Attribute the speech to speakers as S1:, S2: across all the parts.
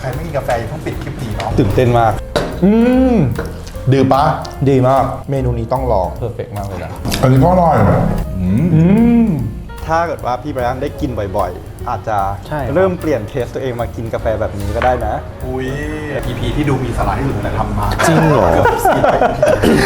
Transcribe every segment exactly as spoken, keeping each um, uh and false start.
S1: ใครไม่กินกาแฟอย่าเพิ่งปิดคลิปดีเนาะ
S2: ตื่นเต้นมาก
S1: อืมดีปะ
S2: ดีมากเมนูนี้ต้องลองเพอร์เฟกต์มากเลยนะ
S1: อันนี้ก็อร่อยอืมอืม
S2: ถ้าเกิดว่าพี่ไบรอันได้กินบ่อยๆ อาจจะ
S3: ใช่ครับ
S2: เริ่มเปลี่ยนเทสตัวเองมากินกาแฟแบบนี้ก็ได้นะ
S1: อุ้ย อี พี ที่ดูมีสาระที่สุดแต่ทำมา
S3: จริงเหรอ
S1: กือบสี่สิบ อี พี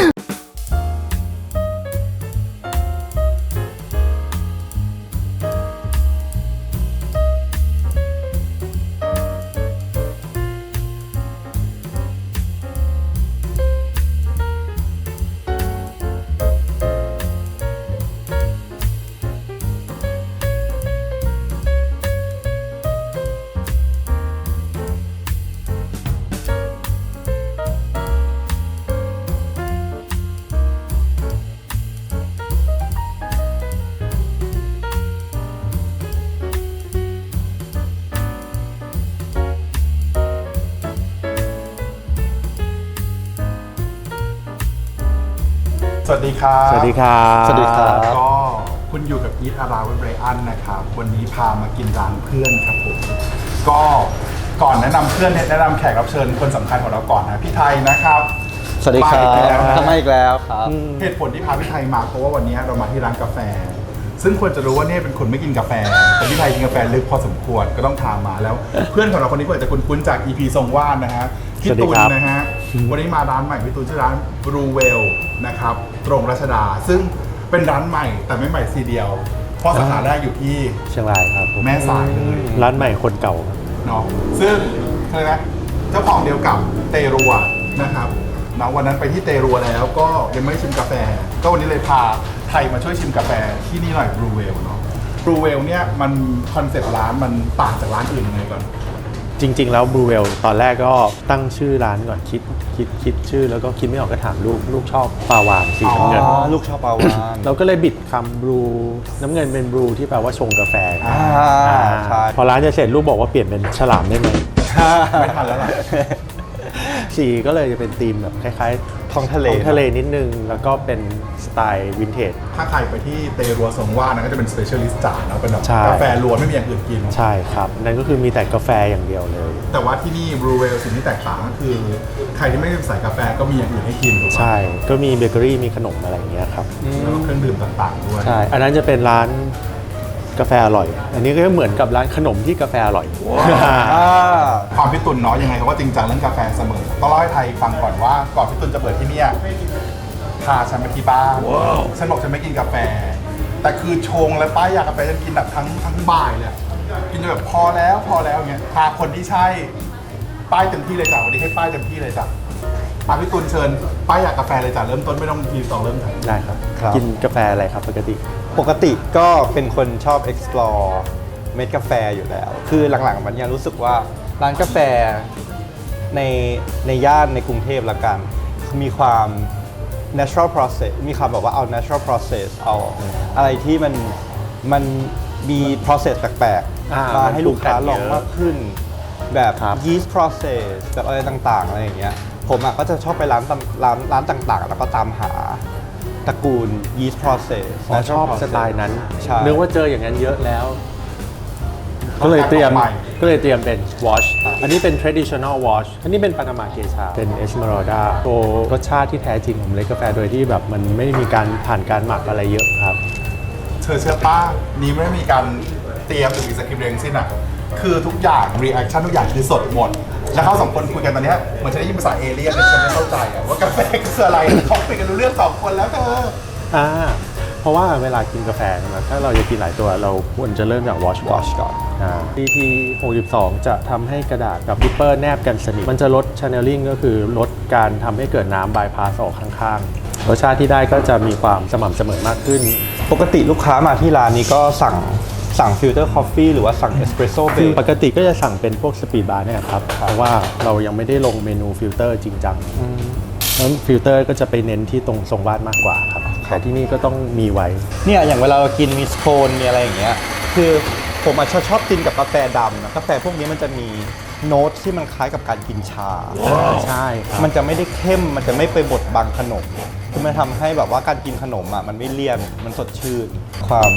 S1: สวัสดีครับ
S3: สวัสดีครับ
S2: สวัสดีครับ
S1: ก็คุณอยู่กับอีทอาราเวเบรอันนะครับวันนี้พามากินร้านเพื่อนครับผมก็ก่อนแนะนำเพื่อนเนี่ยแนะนำแขกรับเชิญคนสำคัญของเราก่อนนะพี่ไทยนะครับ
S2: สวัสดีครับ
S1: มาอีกแล้วนะ
S2: ทำไมอีกแล้วครับ
S1: เหตุผลที่พาพี่ไทยมาเพราะว่าวันนี้เรามาที่ร้านกาแฟ ซึ่งควรจะรู้ว่าเนี่ยเป็นคนไม่กินกาแฟแต่พี่ไทยกินกาแฟลึกพอสมควรก็ต้องทามมาแล้ว เพื่อนของเราคนนี้ก็อาจจะคุ้นๆจาก อี พี ทรงว่านนะฮะพี่
S3: สวัสดี
S1: ตุล
S3: ครับ
S1: นะฮะวันนี้มาร้านใหม่พี่ตุลชื่อร้าน Blue Whale นะครับตรงรัชดา ซึ่งเป็นร้านใหม่แต่ไม่ใหม่ทีเดียว เพราะสาขาแรกอยู่ที่
S3: เชียงรายครับผม
S1: แม่สายเลย
S3: ร้านใหม่คนเก่าครับ
S1: เนาะซึ่งอะไรนะเจ้าของเดียวกับเตรัวนะครับเนาะวันนั้นไปที่เตรัวแล้วก็ยังไม่ชิมกาแฟ ก็วันนี้เลยพาไทยมาช่วยชิมกาแฟที่นี่หน่อย Blue Whale เนาะ Blue Whale เนี่ยมันคอนเซ็ปต์ร้านมันต่างจากร้านอื่นยังไงก่อน
S3: จริง ๆ แล้วบลูเวลตอนแรกก็ตั้งชื่อร้านก่อนคิดคิดคิดชื่อแล้วก็คิดไม่ออกก็ถามลูกลูกชอบปลาวานสีน้ำเงิน
S1: อ๋อ
S2: ลูกชอบปลาวาน
S3: เราก็เลยบิดคำบลูน้ำเงินเป็นบลูที่แปลว่าชงกาแฟ
S2: อ่า
S3: อ่า
S2: ใช่
S3: พอร้านจะเสร็จลูกบอกว่าเปลี่ยนเป็นฉลามได้ไหม
S1: ไม่ทันแล้วล่ะ
S3: สีก็เลยจะเป็นธีมแบบคล้ายๆ
S2: ท้องทะเล
S3: ท้องทะเลนิดนึง แล้วก็เป็นสไตล์วินเทจ
S1: ถ้าใครไปที่เตรัวทรงว่านะก็จะเป็นสเปเชียลิสต์จ๋าเนาะเป็นแบบ
S3: ใช่
S1: กาแฟล้วนไม่มีอย่างอื่นกิน
S3: ใช่ครับนั่นก็คือมีแต่กาแฟอย่างเดียวเลย
S1: แต่ว่าที่นี่ Blue Whale สิ่งที่แตกต่างก็คือ ใครที่ไม่ได้ใส่กาแฟก็มีอย่างอื่นให้กินถูกปะ
S3: ใช่ก็มีเบเกอรี่มีขนมอะไรอย่างเงี้ยครับ
S1: แล้วก็เครื่องดื่มต่างๆด้วย
S3: ใช่ อันนั้นจะเป็นร้านกาแฟอร่อย อันนี้ก็เหมือนกับร้านขนมที่กาแฟอร่อย
S2: อ่า
S1: ความพี่ตุลเนาะยังไงเขาก็จริงจังเรื่องกาแฟเสมอต้องเล่าให้ไทยฟังก่อนว่าก่อนพี่ตุลจะเปิดที่เนี่ยพาฉันไปที่บ้านฉันบอกฉันไม่กินกาแฟ แต่คือชงและป้ายยากาแฟฉันกินแบบทั้งทั้งบ่ายเลยอะกินจนแบบพอแล้วพอแล้วเงี้ยพาคนที่ใช่ป้ายเต็มที่เลยจ้ะวันนี้ให้ป้ายเต็มที่เลยจ้ะพาพี่ตุลเชิญป้ายยากาแฟเลยจ้ะเริ่มต้นไม่ต้องทีสองเริ่มจ้ะ
S3: ได้ครับ
S2: ครับ
S3: กินกาแฟอะไรครับปกติ
S2: ปกติก็เป็นคนชอบ explore เม็ดกาแฟอยู่แล้ว คือหลังๆมันยังรู้สึกว่าร้านกาแฟในในย่านในกรุงเทพละกัน มีความ natural process มีความแบบว่าเอา natural process เอาอะไรที่มันมันมี process แปลก
S3: อ่า
S2: ๆ มาให้ลูกค้าลอง
S3: มันปรุงแต่งเยอะ
S2: มากขึ้น แบบ
S3: ครับ
S2: yeast process แบบอะไรต่างๆอะไรอย่างเงี้ยผมอ่ะก็จะชอบไปร้านตำร้านร้านต่างๆ แล้วก็ตามหาตระกูล yeast process
S3: อ๋อชอบ
S2: natural
S3: สไตล์นั้น
S2: ใช่
S3: นึกว่าเจออย่างนั้นเยอะแล้ว ก็เลยเตรียม
S1: ใหม่
S3: ก็เลยเตรียมเป็น wash อันนี้เป็น traditional wash อันนี้เป็นปานามาเกชาเป็น esmeralda โตรสชาติที่แท้จริงของเมล็ดกาแฟโดยที่แบบมันไม่มีการผ่านการหมักอะไรเยอะครับ
S1: เธอเชื่อป้านี้ไม่ได้มีการเตรียมหรือมีสคริปต์เรียงสิ้นอ่ะ คือทุกอย่างรีแอคชั่นทุกอย่างคือสดหมด แล้วเขาสองคนคุยกันตอนเนี้ยเหมือนจะได้ยินภาษาเอเลี่ยนเลยฉันไม่เข้าใจอ่ะว่ากาแฟคืออะไรเขาคุยกันรู้เรื่องสองคนแล้วเธอ
S3: อ่าเพราะว่าเวลากินกาแฟใช่ไหมถ้าเราจะกินหลายตัวเราควรจะเริ่มจาก wash
S2: wash ก่อน
S3: อ่า พี ที หกสิบสอง จะทำให้กระดาษกับดิปเปอร์แนบกันสนิทมันจะลด channeling ก็คือลดการทำให้เกิดน้ำบายพาสออกข้างๆ รสชาติที่ได้ก็จะมีความสม่ำเสมอมากขึ้น
S2: ปกติลูกค้ามาที่ร้านนี้ก็สั่งสั่งฟิลเตอร์คอฟฟี่หรือว่าสั่งเอสเปรสโซ่เบ
S3: คือ
S2: ร
S3: ปกติก็จะสั่งเป็นพวกสปีดบาร์เนี่ยครับ เพราะว่าเรายังไม่ได้ลงเมนูฟิลเตอร์จริงจังแล้วฟิลเตอร์ก็จะไปเน้นที่ตรงทรงวาดมากกว่าครับแต่ที่นี่ก็ต้องมีไว้
S2: เนี่ยอย่างเวลาเรากินมีสโคนมีอะไรอย่างเงี้ยคือผมอาจจะชอบกินกับกาแฟดำนะกาแฟพวกนี้มันจะมีโน้ตที่มันคล้ายกับการกินชา
S3: ใช่ครับ
S2: มันจะไม่ได้เข้มมันจะไม่ไปบดบังขนมคือมันทำให้แบบว่าการกินขนมอ่ะมันไม่เลี่ยนมันสดชื่น ความ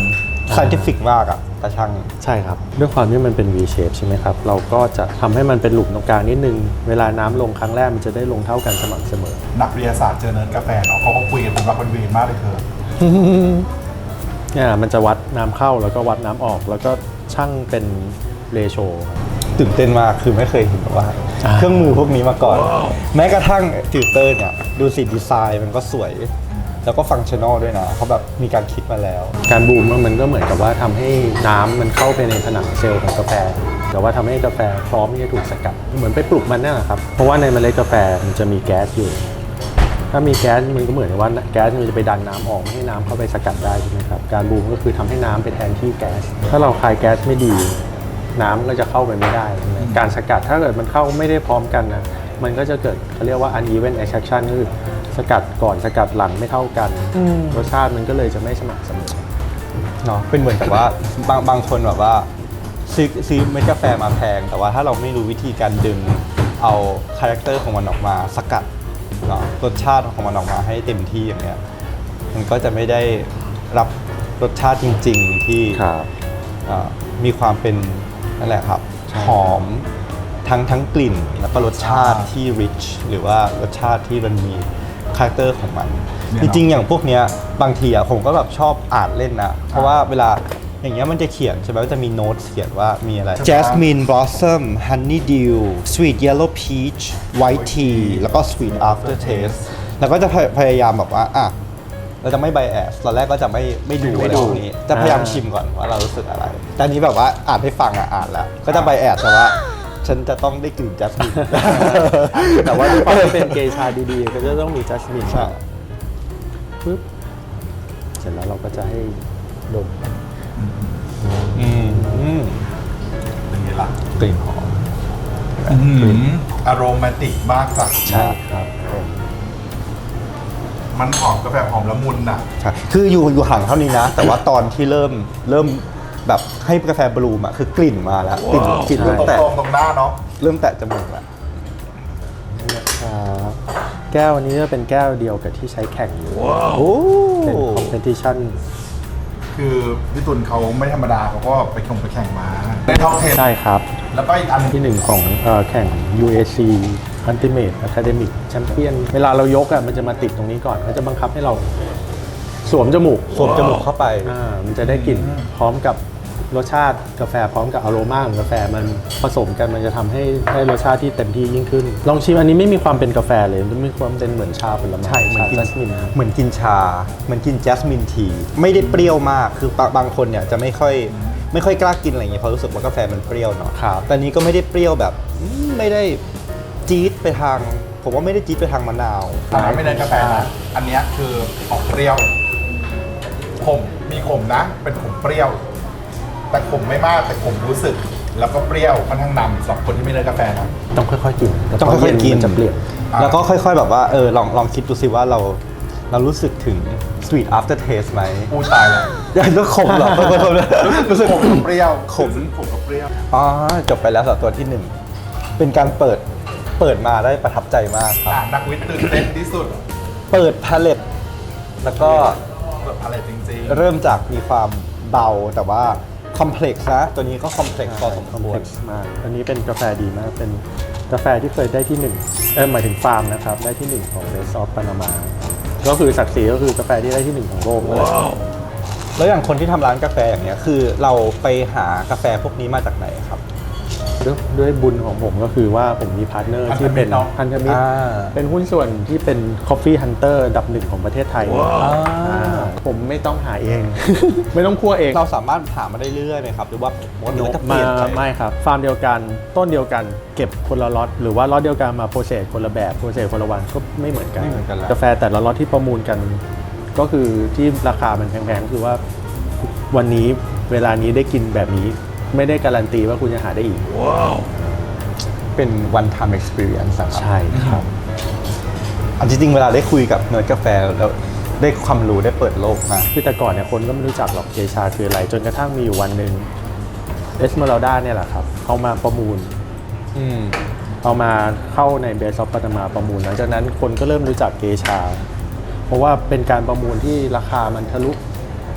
S2: scientific มากอะแต่ช่าง
S3: ใช่ครับ ด้วยความที่มันเป็น V shape ใช่ไหมครับ เราก็จะทำให้มันเป็นหลุมตรงกลางนิดนึง เวลาน้ำลงครั้งแรกมันจะได้ลงเท่ากันสม่ำเสมอ
S1: นักวิทยาศาสตร์เจอเนิร์ดกาแฟเนาะเขาก็คุยกันเป็นรักเป็นเวรมากเลยเธอ
S3: เนี่ยมันจะวัดน้ำเข้าแล้วก็วัดน้ำออกแล้วก็ช่างเป็นเรโช
S2: ตื่นเต้นมากคือไม่เคยเห็นแบบว่า
S3: อ่า
S2: เครื่องมือพวกนี้มาก่อน แม้กระทั่งฟิลเตอร์เนี่ยดูสิดีไซน์มันก็สวย แล้วก็ฟังก์ชันอลด้วยนะเขาแบบมีการคิดมาแล้ว
S3: การบูมมันก็เหมือนกับว่าทำให้น้ำมันเข้าไปในผนังเซลล์ของกาแฟ แต่ว่าทำให้กาแฟพร้อมที่จะถูกสกัด เหมือนไปปลุกมันนั่นแหละครับ เพราะว่าในเมล็ดกาแฟมันจะมีแก๊สอยู่ ถ้ามีแก๊สมันก็เหมือนกับว่าแก๊สมันจะไปดันน้ำออกไม่ให้น้ำเข้าไปสกัดได้ใช่ไหมครับ การบูมก็คือทำให้น้ำไปแทนที่แก๊ส ถ้าเราคายแก๊สไม่ดี น้ำก็จะเข้าไปไม่ได้ใช่ไหมการสกัดถ้าเกิดมันเข้าไม่ได้พร้อมกันนะมันก็จะเกิดเขาเรียกว่า uneven extraction ก็คือสกัดก่อนสกัดหลังไม่เท่ากันรสชาติมันก็เลยจะไม่สม่ำเสมอ
S2: เนาะเป็นเหมือนกับว่าบางบางคนแบบว่าซื้อซื้อเม็ดกาแฟมาแพง แต่ว่าถ้าเราไม่รู้วิธีการดึงเอาคาแรคเตอร์ของมันออกมาสกัดเนาะรสชาติของมันออกมาให้เต็มที่อย่างเงี้ยมันก็จะไม่ได้รับรสชาติจริงๆที่
S3: ครับ
S2: เอ่อมีความเป็นนั่นแหละครับหอมทั้งทั้งกลิ่นแล้วก็รสชาติที่ rich หรือว่ารสชาติที่มันมีคาแรคเตอร์ของมัน
S1: เนี่ย
S2: จริงๆ อย่างพวกเนี้ยบางทีอะผมก็แบบชอบอ่านเล่นนะ เพราะว่าเวลาอย่างเงี้ยมันจะเขียนใช่ไหมมันจะมีโน้ตเขียนว่ามีอะไร Jasmine Blossom Honeydew Sweet Yellow Peach White Tea แล้วก็ Sweet Aftertaste แล้วก็จะพยพยายามแบบว่าอ่ะเราจะไม่ bias ตอนแรกก็จะไม่ไม่ดูอะไรพวกนี้ จะพยายามชิมก่อนว่าเรารู้สึกอะไร แต่อันนี้แบบว่าอ่านให้ฟังอ่ะอ่านแล้ว ก็จะ bias แต่ว่าฉันจะต้องได้กลิ่น Jasmine
S3: แต่ว่าด้วยความที่เป็นเกชาดีๆ ก็จะต้องมีจัสมิน
S2: ใช่
S3: ปึ๊บเสร็จแล้วเราก็จะให้ดม
S2: อืมอืม
S1: เป็นไงล่ะ
S2: กลิ่นหอม
S1: อารมณ์ติกมากจ้ะ
S3: ใช่ครับผม
S1: มันหอมกาแฟหอมละมุนน่ะ
S2: ใช่คืออยู่อยู่ห่างเท่านี้นะ แต่ว่าตอนที่เริ่มเริ่มแบบให้กาแฟบลูมอะคือกลิ่นมาแล้วกลิ่นกลิ่นเริ่ม
S1: ตรง
S2: แตะ
S1: ตรงๆตรงหน้าเนาะ
S2: เริ่มแตะจมูกแล้ว
S3: ครับแก้วอันนี้จะเป็นแก้วเดียวกับที่ใช้แข่งอยู่
S2: โอ้
S3: เป็น competition
S1: คือพี่ตุลเขาไม่ธรรมดาเขาก็ไปแข่งไปแข่งมาได้ท็อปเทน
S3: ใช่ครับ
S1: แล้วก็อีกอันหนึ่ง
S3: ที่หนึ่งของเอ่อแข่ง ยู เอ ซี Ultimate Academic Champion เวลาเรายกอ่ะมันจะมาติดตรงนี้ก่อนเขาจะบังคับให้เราสวมจมูก
S2: สวมจมูกเข้าไป
S3: อ่ามันจะได้กลิ่นพร้อมกับรสชาติกาแฟพร้อมกับอโรมาของกาแฟมันผสมกันมันจะทำให้ได้รสชาติที่เต็มที่ยิ่งขึ้น ลองชิมอันนี้ไม่มีความเป็นกาแฟเลยมันมีความเป็นเหมือนชาผลไม้
S2: ใช่เหมือนกิน
S3: จัสมิน
S2: เหมือนกินชา เหมือนกินแจสมินทีไม่ได้เปรี้ยวมากคือบางบางคนเนี่ยจะไม่ค่อยไม่ค่อยกล้ากินอะไรอย่างเงี้ยเพราะรู้สึกว่ากาแฟมันเปรี้ยวเนาะ
S3: ครับ
S2: แต่อันนี้ก็ไม่ได้เปรี้ยวแบบอืมไม่ได้จี๊ดไปทาง ผมว่าไม่ได้จี๊ดไปทางมะนาว
S1: อันนั้นไม่ได้กาแฟนะอันเนี้ยคือออกเปรี้ยวขมมีขมนะ เป็นขมเปรี้ยว แต่ขมไม่มากแต่ขมรู้สึก แล้วก็เปรี้ยวค่อนข้างนำสำหรับคนที่ไม่ได้กาแฟนะ
S3: ต้องค่อยๆกิน
S2: ต้องค่อยๆกิน
S3: มันจะเปลี่ยน
S2: แล้วก็ค่อย ๆ แบบว่าเออลองลองคิดดูสิว่าเราเรารู้สึกถึง sweet after taste ไหม
S1: อู้ตายแล้ว
S2: ยังก็ขมเหรอ รู้สึก
S1: ขมกับเปรี้ยว
S2: ขม
S1: ขมกับเปรี้ยว
S2: อ๋อจบไปแล้วสำหรับตัวที่หนึ่งเป็นการเปิดเปิดมาได้ประทับใจมากครับ
S1: อ่านักวิทย์ตื่นเต้นที่สุด
S2: เปิดพาเลตแล้วก็
S1: เปิดอะไรจริง
S2: เริ่มจากมีความเบาแต่ว่าคอมเพล็กซ์นะ ตัวนี้ก็คอมเพล็กซ์พอสมควร
S3: มาก อันนี้เป็นกาแฟดีมาก เป็นกาแฟที่เคยได้ที่หนึ่งเออหมายถึงฟาร์มนะครับ ได้ที่หนึ่งของ Best of Panama ก็คือศักดิ์ศรีก็คือกาแฟที่ได้ที่หนึ่งของโลกเลย
S2: แล้วอย่างคนที่ทำร้านกาแฟอย่างเงี้ยคือเราไปหากาแฟพวกนี้มาจากไหนครับ
S3: ด้วยด้วยบุญของผมก็คือว่าผมมีพาร์ทเนอร์ที่เป็นพันธมิตร
S2: อ่า
S3: เป็นหุ้นส่วนที่เป็น Coffee Hunter อันดับหนึ่งของประเทศไทยอ่าผมไม่ต้องหาเอง ไม่ต้องคั่วเอง
S2: เราสามารถหามาได้เรื่อยๆไหมครับ หรือว่าหรือว่าจะเป
S3: มา
S2: ลี่ยนไป
S3: ไม่ครับ ฟาร์มเดียวกันต้นเดียวกันเก็บคนละล็อตหรือว่าล็อตเดียวกันมาโปรเซสคนละแบบโปรเซสคนละวันก็ไม่เหมือนกัน
S2: ไม่เหมือนกันแล้ว
S3: กาแฟแต่ละล็อตที่ประมูลกัน ก็คือที่ราคามันแพงๆคือว่าวันนี้เวลานี้ได้กินแบบนี้ไม่ได้การันตีว่าคุณจะหาได้อีก
S2: เป็น one time experience อะครับ
S3: ใช่ครับ
S2: อันจริงๆเวลาได้คุยกับเนิร์ดกาแฟแล้วได้ความรู้ได้เปิดโลกมาก
S3: คือแต่ก่อนเนี่ยคนก็ไม่รู้จักหรอกเกชาคืออะไร จนกระทั่งมีอยู่วันหนึ่งเอสเมอรัลดาเนี่ยแหละครับเขามาประมูล
S2: อืม
S3: เอามาเข้าในเบสออฟปัตมาประมูลหลังจากนั้นคนก็เริ่มรู้จักเกชา เพราะว่าเป็นการประมูลที่ราคามันทะลุ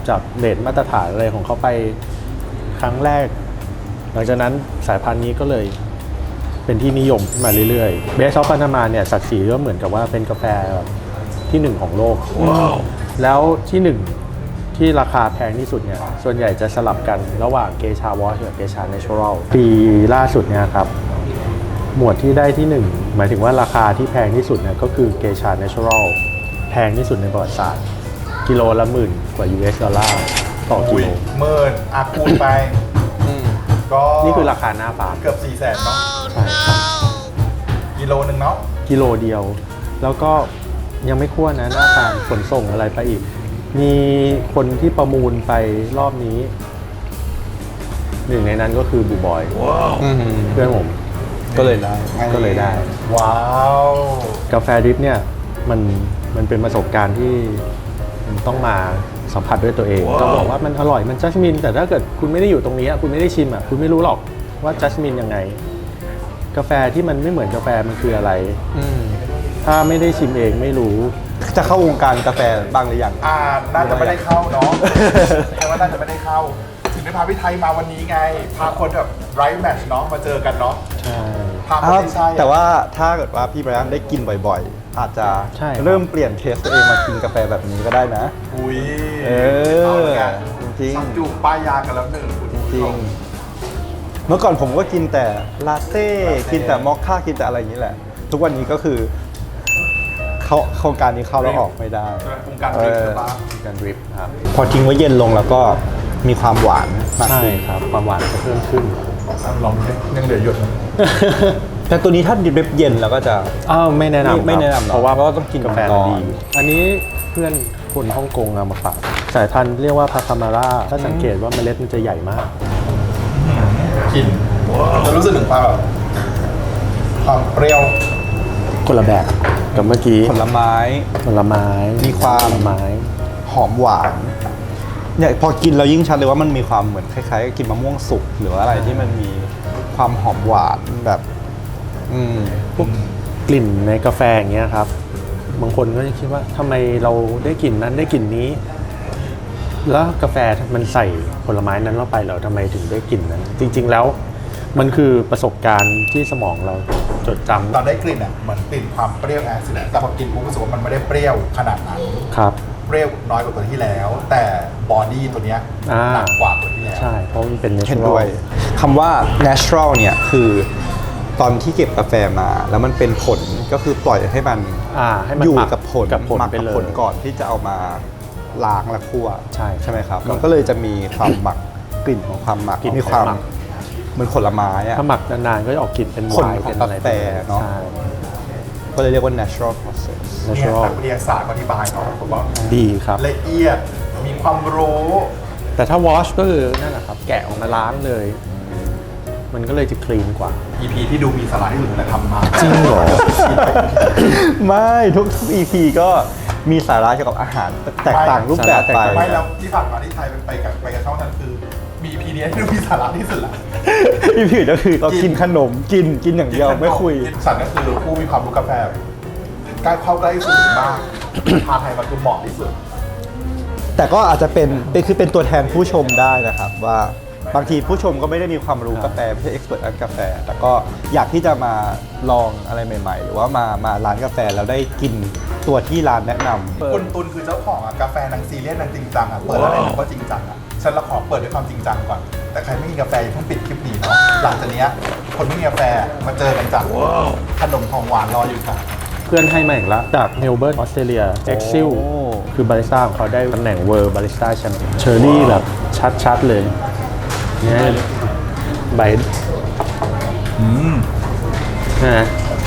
S3: จากเรทมาตรฐานอะไรของเขาไปครั้งแรก หลังจากนั้นสายพันธุ์นี้ก็เลยเป็นที่นิยมขึ้นมาเรื่อยๆเบสออฟปานามาเนี่ยศักดิ์ศรีก็เหมือนกับว่าเป็นกาแฟแบบที่หนึ่งของโลก wow. แล้วที่หนึ่งที่ราคาแพงที่สุดเนี่ยส่วนใหญ่จะสลับกันระหว่างเกชาวอชกับเกชาเนเชอรัลปีล่าสุดเนี่ยครับหมวดที่ได้ที่หนึ่งหมายถึงว่าราคาที่แพงที่สุดเนี่ยก็คือเกชาเนเชอรัลแพงที่สุดในประวัติศาสตร์กิโลละหมื่นกว่า ยู เอส ดอลลาร์ต่อกิโล
S1: หมื่นอาคูณไปก็
S3: นี่คือราคาหน้าฟาร์ม
S1: เกือบสี่แสนเนาะ
S3: ใช่ครับ
S1: กิโลหนึ่งเนาะ
S3: กิโลเดียว แล้วก็ยังไม่คั่วนะหน้าฟาร์มขนส่งอะไรไปอีก มีคนที่ประมูลไปรอบนี้หนึ่งในนั้นก็คือบูบอยเพื่อนผม
S2: ก็เลยได้
S3: ก็เลยได้
S1: ว้าว
S3: กาแฟดริปเนี่ยมันมันเป็นประสบการณ์ที่มันต้องมาสัมผัสด้วยตัวเองต้องบอกว่ามันอร่อยมันจัสมินแต่ถ้าเกิดคุณไม่ได้อยู่ตรงนี้คุณไม่ได้ชิมอ่ะคุณไม่รู้หรอกว่าจัสมินยังไงกาแฟที่มันไม่เหมือนกาแฟมันคืออะไรถ้าไม่ได้ชิมเองไม่รู้
S2: จะเข้าวงการกาแฟบ้างหรือยัง
S1: อ่าน่าจะไม่ได้เข้าเนาะแค่ว่าน่าจะไม่ได้เข้าถึงได้พาพี่ไทยมาวันนี้ไงพาคนแบบไร้แมทช์เนาะมาเจอกันเนาะ
S3: ใช่
S1: พาคนที่ใช่
S2: แต่ว่าถ้าเกิดว่าพี่ไบรอันได้กินบ่อยๆอาจจะเริ่มเปลี่ยนเทสตัวเองมากินกาแฟแบบนี้ก็ได้นะ
S1: อุ้ย
S2: เออจริง
S1: สักจูบป้ายยากันแล้วหนึ่ง
S2: จริงเมื่อก่อนผมก็กินแต่ลาเต้กินแต่มอคค่ากินแต่อะไรอย่างนี้แหละทุกวันนี้ก็คือเขาโครงการนี้เข้าแล้วออกไม่ได้
S1: โครงการดริฟต์
S3: การดริฟต์ครับ
S2: พอทิ้งไว้เย็นลงแล้วก็มีความหวาน
S3: ใช่ครับความหวานก็เพิ่มขึ้น
S1: ลองดูยังเหลือหยด
S2: แต่ตัวนี้ถ้าดิบเย็นแล้วก็จะ
S3: อ้าวไม่แนะนำ
S2: ไม่แนะนำ
S3: เพราะว่าก็ต้องกินกาแฟดีอันนี้เพื่อนคนฮ่องกงเอามาฝากสายพันธุ์เรียกว่าพาคามาร่าถ้าสังเกตว่าเมล็ดมันจะใหญ่มาก
S1: กินจะรู้สึกถึงความแบบความเปรี้ยว
S3: คนละแบบกับเมื่อกี้
S2: ผลไม้
S3: ผลไม้
S2: มีความ
S3: ผลไม้
S2: หอมหวานเนี่ยพอกินเรายิ่งชัดเลยว่ามันมีความเหมือนคล้ายๆกินมะม่วงสุกหรืออะไรที่มันมีความหอมหวานแบบอืม
S3: พวกกลิ่นในกาแฟอย่างเงี้ยครับบางคนก็จะคิดว่าทำไมเราได้กลิ่นนั้นได้กลิ่นนี้แล้วกาแฟมันใส่ผลไม้นั้นเข้าไปเราทำไมถึงได้กลิ่นนั้นจริงๆแล้วมันคือประสบการณ์ที่สมองเราจดจำ
S1: ตอนได้กลิ่นอ่ะเหมือนกลิ่นความเปรี้ยวแอซิดแต่พอกินปุ๊บรู้สึกว่ามันไม่ได้เปรี้ยวขนาดนั้น
S3: ครับ
S1: เปรี้ยวน้อยกว่าตัวที่แล้วแต่บอดี้ตัวเนี้ยหนักกว่าตัวที่แล้ว
S3: ใช่เพราะมันเป็น
S2: natural เห็นด้วยคำว่า natural เนี่ยคือตอนที่เก็บกาแฟมาแล้วมันเป็นผลก็คือปล่อยให้มันอยู่กับผล
S3: กับผล
S2: หมักกับผลก่อนที่จะเอามาล้างและคั่ว
S3: ใช่
S2: ใช่ไหมครับมันก็เลยจะมีความหมักกลิ่นของความหมักมีความเหมือนผลไม้อะ
S3: ถ้าหมักนานๆก็จะออกกลิ่นเป็นไวน์เป็นอะไร
S2: กาแฟเนาะก็เลยเรียกว่า natural process
S1: เนี่ยนักวิทยาศาสตร์อธิบายเนาะผมว่า
S3: ดีครับ
S1: ละเอียดมีความรู้
S3: แต่ถ้า wash ก็คือนั่นแหละครับแกะออกมาล้างเลยมันก็เลยจะคลีนกว่า
S1: อี พี ที่ดูมีสาระที่สุดแต่ทำมา
S3: จริงเหรอ
S2: ไม่ทุก อี พี ก็มีสาระเกี่ยวกับอาหารแตกต่างรูปแบบไป
S1: ไม่แล้วที่ผ่านมาที่ไทยไปกับไปกับช่องนั้นคือมี อี พี นี้ที่ดูมีสาระที่สุดละ
S2: อี พี ก็คือเรากินขนมกินกินอย่างเดียวไม่คุย
S1: สันก็คือผู้มีความรู้กาแฟใกล้เข้าใกล้สุดมากพาไทยมาคือเหมาะที่สุด
S2: แต่ก็อาจจะเป็นเป็นคือเป็นตัวแทนผู้ชมได้นะครับว่าบางทีผู้ชมก็ไม่ได้มีความรู้กาแฟไม่ใช่เอ็กซ์เพรสด้านกาแฟแต่ก็อยากที่จะมาลองอะไรใหม่ๆหรือว่ามามาร้านกาแฟแล้วได้กินตัวที่ร้านแนะนำ
S1: คุณตุลคือเจ้าของอ่ะกาแฟนางซีเรียสนางจริงจังอ่ะเปิดอะไรหนูก็จริงจังอ่ะฉันละขอเปิดด้วยความจริงจังก่อนแต่ใครไม่มีกาแฟอย่าเพิ่งปิดคลิปนี้เนาะหลังจากนี้คนไม่มีกาแฟมาเจอกันจ้ะขนมของหวานรออยู่จ้ะ
S3: เพื่อนให้มาอีกแล้วจากเมลเบิร์นออสเตรเลียเอ็กซิลคือบาริสต้าของเขาได้ตำแหน่งเวิร์บาริสต้าแชมเปี้ยนเชอร์รี่แบบชัดๆเลยเนี่ยใบ
S1: อืม
S3: นะ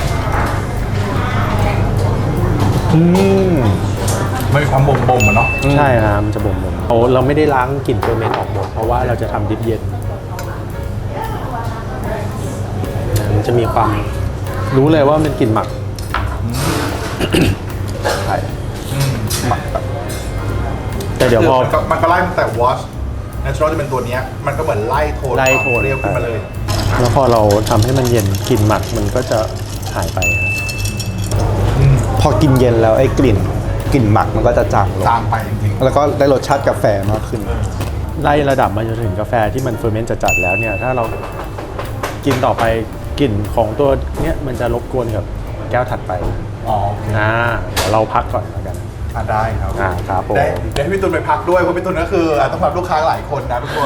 S2: อืม
S1: ไม่มีความบ่มบ่มเนาะ
S3: ใช่ครับมันจะบ่มบ่มโอ้เราไม่ได้ล้างกลิ่นเฟอร์เมนต์ออกหมดเพราะว่าเราจะทำดิบเย็นมันจะมีความรู้เลยว่ามันกลิ่นหมัก
S2: ใช่หมักแบบ
S3: แต่เดี๋ยวพอ
S1: มันก็ไล่ตั้งแต่ wash natural จะเป็นตัวนี้มันก็เหมือนไล่โทน
S3: ไล่โทน
S1: เรียวขึ้นมาเลย
S3: แล้วพอเราทำให้มันเย็นกลิ่นหมักมันก็จะหายไป
S2: พอกินเย็นแล้วไอ้กลิ่นกลิ่นหมักมันก็จะจางลง
S1: จางไปจริง
S2: แล้วก็ได้รสชาติกาแฟมากขึ้น
S3: ไล่ระดับมาจนถึงกาแฟที่มันเฟอร์เมนต์จัดๆแล้วเนี่ยถ้าเรากินต่อไปกลิ่นของตัวเนี้ยมันจะรบกวนกับแก้วถัดไป
S1: อ๋อโอเค
S3: อ่าเดี๋ยวเราพักก่อนแล้วกัน
S1: อ่ะได้ครับ
S3: อ่าครับผม
S1: ได้เดี๋ยวให้พี่ตุลไปพักด้วยเพราะพี่ตุลก็คืออ่ะต้องรับลูกค้าหลายคนนะทุกคน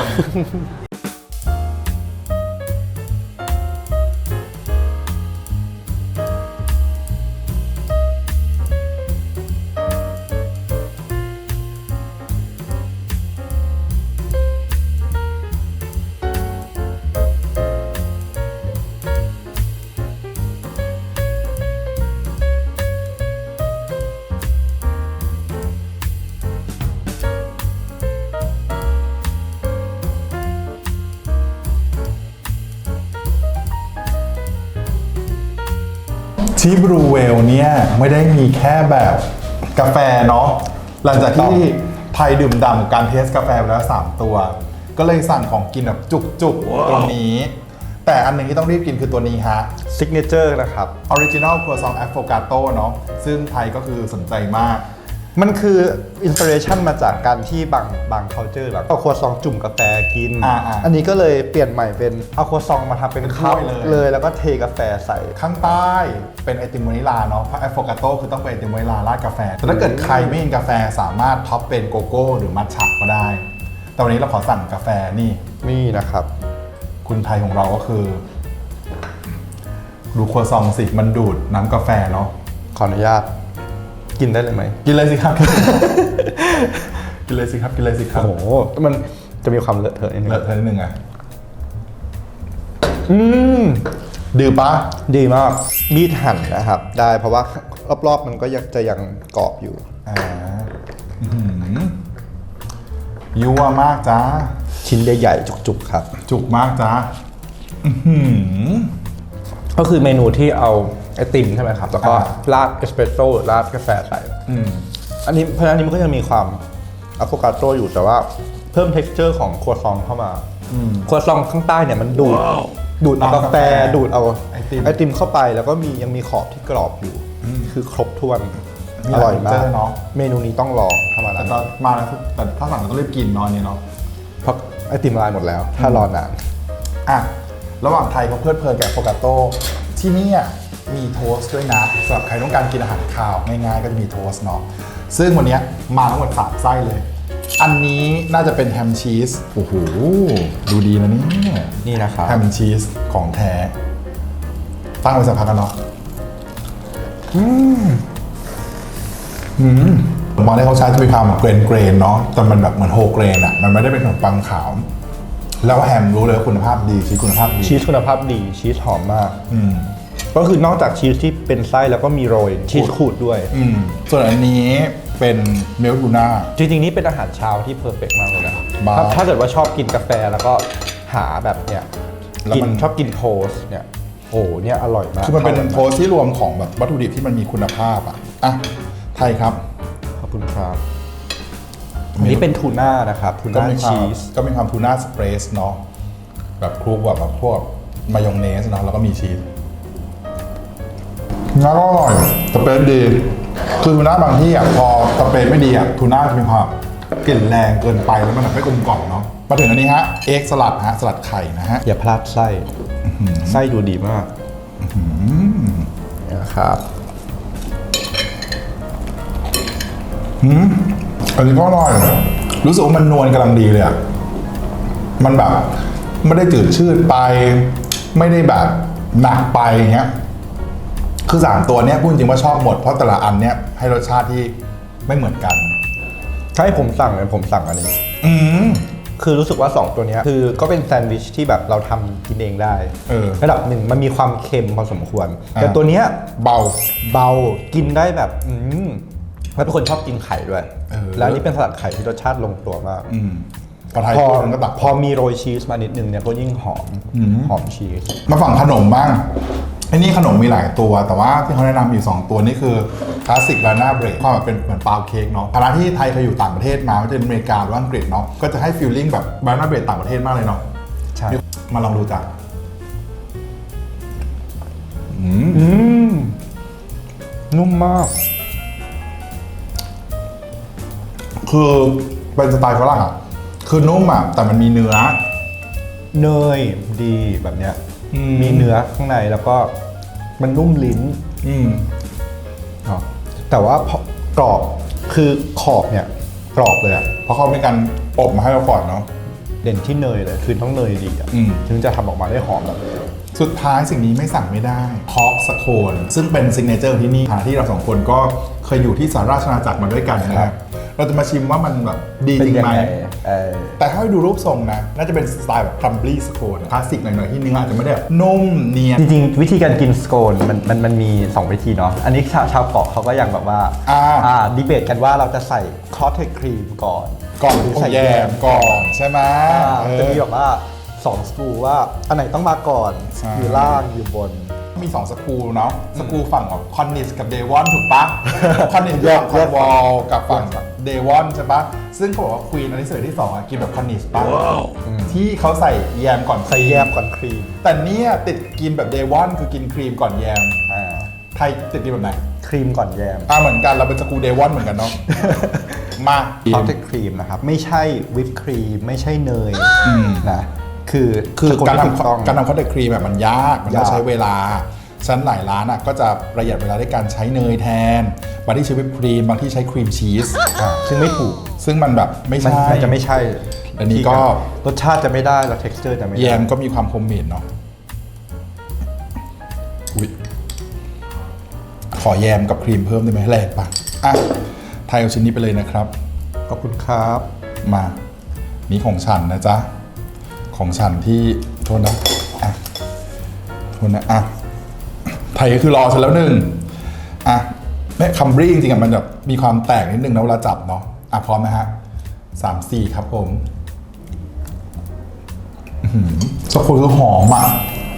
S1: ที่บรูเวลเนี่ยไม่ได้มีแค่แบบกาแฟเนาะหลังจากที่ไทยดื่มด่ำกับการเทสกาแฟไปแล้วสามตัว ก็เลยสั่งของกินแบบจุกๆ ตรงนี้ แต่อันหนึ่งที่ต้องรีบกินคือตัวนี้ฮะ
S2: ซิกเนเจอร์นะครับ
S1: Original Croissant Affogato เนาะซึ่งไทยก็คือสนใจมาก
S2: มันคืออินสปิเรชันมาจากการที่บางบาง culture แบบเอาครัวซองจุ่มกาแฟกิน
S1: อ่าอ่า
S2: อันนี้ก็เลยเปลี่ยนใหม่เป็นเอาครัวซองมาทำเป็น
S1: เป็น
S2: คัพ
S1: ถ้วยเลย
S2: เลยแล้วก็เทกาแฟใส่
S1: ข้างใต้เป็นไอติมวานิลาเนาะเพราะ Affogato คือต้องเป็นไอติมวานิลาราดกาแฟ แต่ถ้าเกิดใครไม่กินกาแฟสามารถท็อปเป็นโกโก้หรือมัทฉะก็ได้ แต่วันนี้เราขอสั่งกาแฟนี่
S2: นี่นะครับ
S1: คุณไทยของเราก็คือ ดูครัวซองสิมันดูดน้ำกาแฟเนาะ
S2: ขออนุญาตกินได้เลยไหม
S1: กินเลยสิครับ กินเลยสิครับกินเลยสิครับ
S2: โอ้โหมันจะมีความเลอะเทอะนิดนึง
S1: เลอะเทอะนิดนึงอ่ะอืมดื้อปะ
S2: ดีมากมีดหั่นนะครับ ได้เพราะว่ารอบๆมันก็ยังจะยังกรอบอยู่
S1: อ่าอื้อหือยั่วมากจ้า
S2: ชิ้นใหญ่ๆจุกๆครับ
S1: จุกมากจ้าอื้อหือ
S2: ก็คือเมนูที่เอาไอติมใช่ไหมครับ แล้วก็
S1: อ่า
S2: ราดเอสเปรสโซ่ราดกาแฟใส่
S1: อืม
S2: อันนี้เพราะฉะนั้นอันนี้มันก็ยังมีความอะโฟกาโตอยู่แต่ว่าเพิ่ม texture ของครัวซองเข้ามา
S1: อืม
S2: ครัวซองข้างใต้เนี่ยมันดูด ดูดเอา
S1: เอา
S2: กาแฟ
S1: กาแฟ
S2: ดูดเอา
S1: ไอติม
S2: ไอติมเข้าไปแล้วก็มียังมีขอบที่กรอบอยู่ คือครบถ้วน
S1: มี
S2: อ
S1: หลาย
S2: ร่อยมา
S1: เจ
S2: ก
S1: อเนาะ
S2: เมนูนี้ต้องลองถ้ามา
S1: แต่
S2: ร้าน
S1: ตอนมาแล้วแต่ถ้าสั่งเราต้องรีบกินเนอนนี่เนาะ
S2: เพราะไอติมละลายหมดแล้ว ถ้ารอนาน
S1: อ่ะ ระหว่างไทยเขาเพลิดเพลินกับโฟกาโต้ที่นี่มีโทสต์ด้วยนะสำหรับใครต้องการกินอาหารคาวง่ายๆก็จะมีโทสต์เนาะซึ่งวันนี้มาทั้งหมดสามไส้เลย อันนี้น่าจะเป็นแฮมชีสโอ้โหดูดีนะเนี่ย
S2: นี่นะครับ
S1: แฮมชีสของแท้ ตั้งไว้สักพักกันเนาะอืมอืมผมมองได้เขาใช้จะมีความเกรนเกรนๆเนาะแต่มันแบบเหมือนโฮเกรนอะมันไม่ได้เป็นขนมปังขาว แล้วแฮมรู้เลยว่าคุณภาพดีชีสคุณภาพดี
S2: ชีสคุณภาพดีชีสหอมมาก
S1: อืม
S2: ก็คือนอกจากชีสที่เป็นไส้แล้วก็มีโรยชีสขูดด้วย
S1: อืมส่วนอันนี้เป็นเมลทูน่า
S2: จริงๆ นี่เป็นอาหารเช้าที่เพอร์เฟกต์มากเลยนะ
S1: บ้า
S2: ถ้าถ้าเกิดว่าชอบกินกาแฟแล้วก็หาแบบเนี้ย
S1: แล้ว
S2: กิน
S1: มัน
S2: ชอบกินโทสต์เนี่ยโอ้เนี่ยอร่อยมาก
S1: คือมันเป็น
S2: ข้ากั
S1: โทสต์ที่รวมของแบบวัตถุดิบที่มันมีคุณภาพอ่ะ อ่ะ ไทยครับ
S2: ขอบคุณครับอันนี้เป็นทูน่านะครับทู
S1: ก็
S2: น่า
S1: มีความ
S2: ชีส
S1: ก็มีความทูน่าสเปรสเนาะแบบคลุกแบบแบบพวกมายองเนสเนาะแล้วก็มีชีสน่าอร่อยสเปรสดี คือทูน่าบางที่อ่ะพอสเปรสไม่ดีอ่ะทูน่าจะมีความกลิ่นแรงเกินไปแล้วมันแบบไม่กลมกล่อมเนาะมาถึงอันนี้ฮะเอ็กสลัดฮะสลัดไข่นะฮะ
S2: อย่าพลาดไส้ไส้ดูดีมากนะครับ
S1: อืมอันนี้ก็อร่อยรู้สึกว่ามันนวลกำลังดีเลยอ่ะมันแบบไม่ได้จืดชืดไป ไม่ได้แบบหนักไปอย่างเงี้ยคือสามตัวเนี้ยพูดจริงว่าชอบหมดเพราะแต่ละอันเนี้ยให้รสชาติที่ไม่เหมือนกัน
S2: ถ้าให้ผมสั่งเลยผมสั่งอันนี้
S1: อืม
S2: คือรู้สึกว่า สอง ตัวเนี้ยคือก็เป็นแซนด์วิชที่แบบเราทำกินเองได้
S1: เออ
S2: ระดับหนึ่งมันมีความเค็มพอสมควร
S1: อ่า
S2: แต่ตัวเนี้ย
S1: เบา
S2: เบากินได้แบบอืมแล้วเป็นคนชอบกินไข่ด้วย
S1: เออ
S2: แล้วอันนี้เป็นสลัดไข่ที่รสชาติลงตัวมาก
S1: อืมพอไทย
S2: พอ
S1: พูดมันก็ตัก
S2: พอมีโรยชีสมานิดนึงเนี่ยก็ยิ่งหอม
S1: อืม
S2: หอมชีส
S1: มาฝั่งขนมบ้างไอ้นี่ขนมมีหลายตัว แต่ว่าที่เขาแนะนำอยู่สองตัวนี่คือคลาสสิกบานาน่าเบรดความแบบเป็นเหมือนปาวเค้กเนาะคณะที่ไทยเคยอยู่ต่างประเทศมาไม่ว่าจะเป็นอเมริกาหรือว่าอังกฤษเนาะก็จะให้ฟีลลิ่งแบบบานาน่าเบรดต่างประเทศมากเลยเนาะ
S2: ใช่
S1: มาลองดูจ้ะอืม
S2: อืมนุ่มมาก
S1: คือเป็นสไตล์ฝรั่งอ่ะคือนุ่มอ่ะแต่มันมีเนื้อ
S2: เนยดีแบบเนี้ย
S1: อืม
S2: มีเนื้อข้างในแล้วก็มันนุ่มลิ้น
S1: อืม
S2: เนาะแต่ว่าพอกรอบคือขอบเนี่ยกรอบเลยอะ
S1: เพราะเขามีการอบมาให้เราก่อนเนาะ
S2: เด่นที่เนยเลยคือต้องเนยดีอะ
S1: อืม
S2: ถึงจะทำออกมาได้หอมแบบนี้
S1: สุดท้ายสิ่งนี้ไม่สั่งไม่ได้พอกสโคนซึ่งเป็นซิกเนเจอร์ที่นี่ฐานะที่เราสองคนก็เคยอยู่ที่สหราชอาณาจักรมาด้วยกันนะครับเราจะมาชิมว่ามันแบบดีจริงไหม
S2: เออ
S1: แต่ถ้าให้ดูรูปทรงนะ น่าจะเป็นสไตล์แบบครัมบลี่สโคนคลาสสิกหน่อยๆที่เนื้ออาจจะไม่ได้แบบนุ่มเนียน
S2: จริงๆวิธีการกินสโคนมันมันมันมีสองวิธีเนาะอันนี้ชาวชาวเกาะเขาก็ยังแบบว่า
S1: อ่า
S2: อ่าดีเบตกันว่าเราจะใส่คอสเทครีมก่อน
S1: ก่อน
S2: หรือ
S1: ใส่
S2: ใส่
S1: แย
S2: แย
S1: ม
S2: ม
S1: ก่อนใช่ไหม
S2: อ่า
S1: เออ
S2: จะมีแบบว่าสองสกูว่าอันไหนต้องมาก่อน
S1: ใช่
S2: อยู่ล่างอยู่บน
S1: มีสองสกูเนาะสกูฝั่งของคอนนิสกับเดวอนถูกปะ คอนนิส
S2: แยก
S1: ฝั่งคอนวอลกับฝั่ง
S2: แยก
S1: เดวอนใช่ปะซึ่งเขาบอกว่าควีนอันนี้เสวยที่สองอะกินแบบคอนนิสปะที่เขาใส่แยมก่อน
S2: ใส่แยมก่อนครีม
S1: แต่เนี่ยติดกินแบบเดวอนคือกินครีมก่อนแยม
S2: อ่า
S1: ไทยติดกินแบบไหน
S2: ครีมก่อนแยม
S1: อ่าเหมือนกันเราเป็นสกูเดวอนเหมือนกันเนาะ มา
S2: คอสเทครีมนะครับไม่ใช่วิปครีมไม่ใช่เนย
S1: อืม
S2: นะคือ
S1: คือ
S2: สโน
S1: การ
S2: ที่ถูกต้อง
S1: ทำการทำคอสเตครีมแบบมันยาก มันต้อง
S2: ยาก
S1: ใช้เวลาฉะนันหลายร้านอ่ะก็จะประหยัดเวลาด้วยการใช้เนยแทน บางที่ใช้วิปครีม บางที่ใช้ครีมชีส
S2: อ่าซึ่งไม่ถูก
S1: ซึ่งมันแบบไม่
S2: มัน
S1: ใช่
S2: มันจะไม่ใช่
S1: อันนี้ก็
S2: รสชาติจะไม่ได้แล้ว texture จะไม่ได้
S1: แยมก็มีความโฮมเมดเนาะอุ๊ยขอแยมกับครีมเพิ่มได้ไหมแลกปะอ่ะไทยเอาชิ้นนี้ไปเลยนะครับ
S2: ขอบคุณครับ
S1: มานี่ของฉันนะจ๊ะ ของฉันที่โทษนะอ่ะโทษนะอ่ะไทยก็คือรอฉันแล้วหนึ่งอ่ะแม่คัมบรี่จริงๆอ่ะมันแบบมีความแตกนิดนึงนะเวลาจับเนาะอ่ะพร้อมไหมฮะสามสี่ครับผมอื้อหือสกุลคือหอมอ่ะ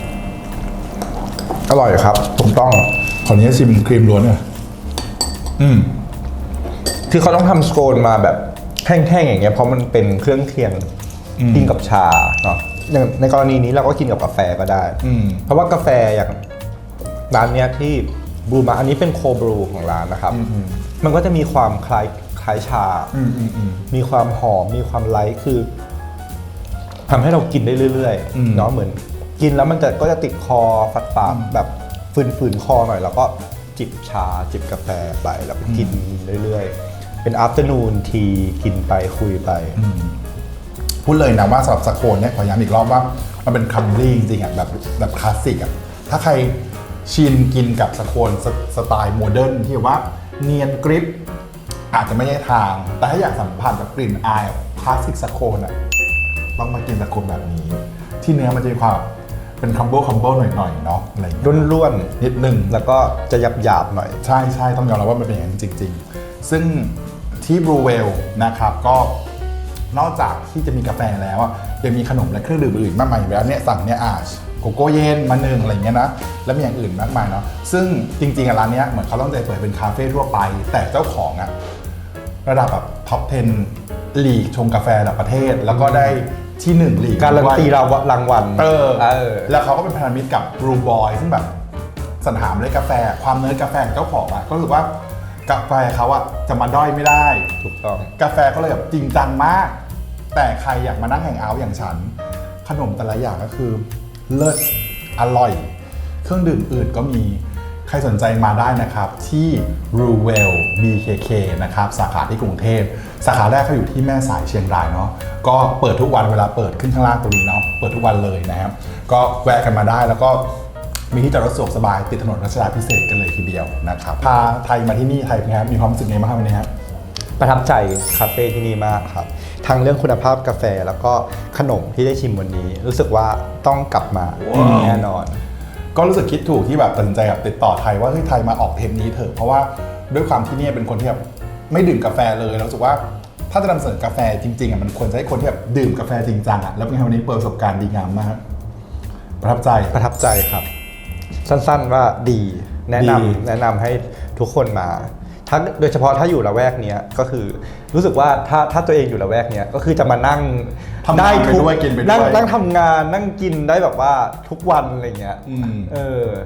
S2: อร่อยครับถูกต้อง
S1: ขออนุญาตชิมครีมล้วนเลยอืม
S2: คือเขาต้องทำสโคนมาแบบแห้งๆอย่างเงี้ยเพราะมันเป็นเครื่องเคียง
S1: อืม
S2: กินกับชาเนาะอย่างในกรณีนี้เราก็กินกับกาแฟก็ได้
S1: อืม
S2: เพราะว่ากาแฟอย่างร้านเนี้ยที่บรูมาอันนี้เป็นโคบรูของร้านนะครับ
S1: อืม
S2: มันก็จะมีความคล้ายคล้ายชา
S1: อืมอืมอืม
S2: มีความหอมมีความไลท์คือทำให้เรากินได้เรื่อย
S1: อืม
S2: ๆเนาะเหมือนกินแล้วมันจะก็จะติดคอฝาดฝาดๆแบบฝืนๆคอหน่อย แล้วก็จิบชาจิบกาแฟไปแล้วก็กินเรื่อยๆ เป็น afternoon tea กินไปคุยไป
S1: พูดเลยนะว่าสำหรับสโคนเนี่ยขอย้ำอีกรอบว่ามันเป็นคัมบรี่จริงๆอ่ะแบบแบบคลาสสิกอ่ะถ้าใครชินกินกับสโคนสสไตล์โมเดิร์นที่แบบว่าเนียนกริปอาจจะไม่ใช่ทาง แต่ถ้าอยากสัมผัสกับกลิ่นอายคลาสสิกสโคนอ่ะต้องมากินสโคนแบบนี้ ที่เนื้อมันจะมีความเป็นคัมโบคัมโบหน่อยๆเนาะอะไรอย่างเงี้ย
S2: ร่วน
S1: นิดนึง
S2: ๆ แล้วก็จะหยาบๆหน่อย
S1: ใช่ใช่ต้องยอมรับว่ามันเป็นอย่างนั้นจริง ๆ ซึ่งที่บรูเวลนะครับก็นอกจากที่จะมีกาแฟแล้วอะยังมีขนมและเครื่องดื่มอื่นมากมายอยู่แล้วเนี่ยสั่งเนี่ยอาชโกโก้เย็นมาหนึ่งอะไรเงี้ยนะแล้วมีอย่างอื่นมากมายเนาะซึ่งจริงๆอะร้านเนี้ยเหมือนเขาต้องใจเปิดเป็นคาเฟ่ทั่วไป แต่เจ้าของอะระดับแบบท็อปสิบลีกชงกาแฟระดับประเทศ แล้วก็ได้ที่หนึ่งลีก
S2: การันตี
S1: ด้วย
S2: เรารางวัล
S1: เออ
S2: เออ
S1: แล้วเขาก็เป็นพันธมิตรกับบรูบอยซึ่งแบบสรรหาเมล็ดกาแฟ ความเนิร์ดกาแฟของเจ้าของอะก็รู้สึกว่ากาแฟเขาอะจะมาด้อยไม่ได้
S2: ถูกต้อง
S1: กาแฟเขาเลยแบบจริงจังมาก แต่ใครอยากมานั่งแฮงเอาท์อย่างฉัน ขนมแต่ละอย่างก็คือเลิศอร่อย เครื่องดื่มอื่นก็มีใครสนใจมาได้นะครับ ที่ Ruwell บี เค เค นะครับสาขาที่กรุงเทพสาขาแรกเขาอยู่ที่แม่สายเชียงรายเนาะก็เปิดทุกวันเวลาเปิดขึ้นข้างล่างตรงนี้เนาะเปิดทุกวันเลยนะครับ ก็แวะกันมาได้แล้วก็มีที่จอดรถสะดวกสบายติดถนนรัชดาพิเศษกกันเลยทีเดียวนะครับพาไทยมาที่นี่ไทยเป็นไงครับมีความรู้สึกไงบ้างวันนี้ครับ
S2: ประทับใจคาเฟ่ที่นี่มากครับ ทั้งเรื่องคุณภาพกาแฟแล้วก็ขนมที่ได้ชิมวันนี้ รู้สึกว่าต้องกลับมาแน่นอน
S1: ก็รู้สึกคิดถูกที่แบบตัดสินใจแบบติดต่อไทยว่าเฮ้ยไทยมาออกเทปนี้เถอะเพราะว่าด้วยความที่เนี่ยเป็นคนที่แบบไม่ดื่มกาแฟเลยแล้วรู้สึกว่าถ้าจะนำเสนอกาแฟจริงๆอ่ะมันควรจะให้คนที่แบบดื่มกาแฟจริงจังอ่ะแล้วเป็นไงวันนี้เปิดประสบการณ์ดีงามมากประทับใจ
S2: ประทับใจครับ สั้นๆว่าดีแนะ
S1: ดี
S2: นำแนะนำให้ทุกคนมาถ้าโดยเฉพาะถ้าอยู่ละแวกเนี้ยก็คือรู้สึกว่าถ้าถ้าตัวเองอยู่ละแวกเนี้ยก็คือจะมานั่ง
S1: ทำงานไป
S2: ทุก
S1: ด้วยกินไปด้วย
S2: นั่งนั่งทำงานนั่งกินได้แบบว่าทุกวันอะไรเงี้ย
S1: อืม
S2: เออ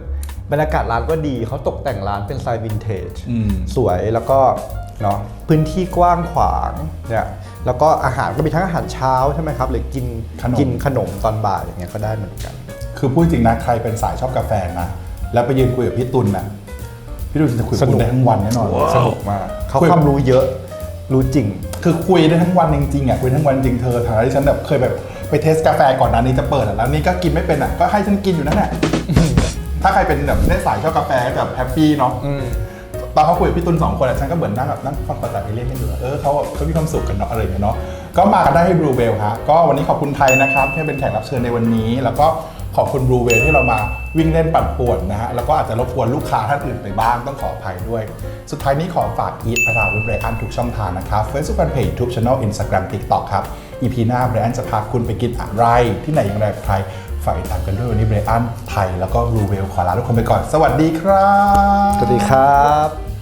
S2: บรรยากาศร้านก็ดีเขาตกแต่งร้านเป็นสไตล์วินเทจ
S1: อืม
S2: สวยแล้วก็เนาะพื้นที่กว้างขวางเนี่ยแล้วก็อาหารก็มีทั้งอาหารเช้าใช่ไหมครับหรือกิน
S1: ขนม
S2: กินขนมตอนบ่ายอย่างเงี้ยก็ได้เหมือนกัน
S1: คือพูดจริงนะใครเป็นสายชอบกาแฟนะแล้วไปยืนคุยกับพี่ตุลนะพี่ตุลจะคุยกับคุณได้ทั้งวันแน่นอน
S2: สนุกมากเขา
S1: คุย
S2: ความรู้เยอะรู้จริง
S1: คือคุยได้ทั้งวันจริงๆอ่ะคุยทั้งวันจริงเธอฐานะที่ฉันแบบเคยแบบไปเทสกาแฟก่อนหน้านี้จะเปิดอะแล้วนี่ก็กินไม่เป็นอ่ะก็ให้ฉันกินอยู่นั่นแหละ ถ้าใครเป็นแบบได้สายชอบกาแฟแบบแฮปปี้เนาะตอนเขาคุยกับพี่ตุลสองคนอะฉันก็เหมือนนั่งแบบนั่งฟังภาษาเอเลี่ยนให้ดูอะเออเขาเขามีความสุขกันเนาะอะไรอย่างเงี้ยเนาะก็มากันได้ให้บลูเวลฮะก็วันนี้ขอบคุณไทยนะครับที่เป็นแขกรับเชิญในวันนี้ แล้วก็ขอบคุณบลูเวลที่เรามาวิ่งเล่นปั่นป่วนนะฮะแล้วก็อาจจะรบกวนลูกค้าท่านอื่นไปบ้างต้องขออภัยด้วย สุดท้ายนี้ขอฝากอีทพราวิทย์ไรอันทุกช่องทางนะครับ Facebook Fanpage YouTube Channel Instagram TikTok ครับ อี พี หน้าไรอันจะพาคุณไปกินอะไรที่ไหนอย่างไรกับใครฝากติดตามกันด้วยวันนี้ไรอันไทยแล้วก็บลูเวลขอลาทุกคนไปก่อนสวัสดีครับ
S2: สวัสดีครับ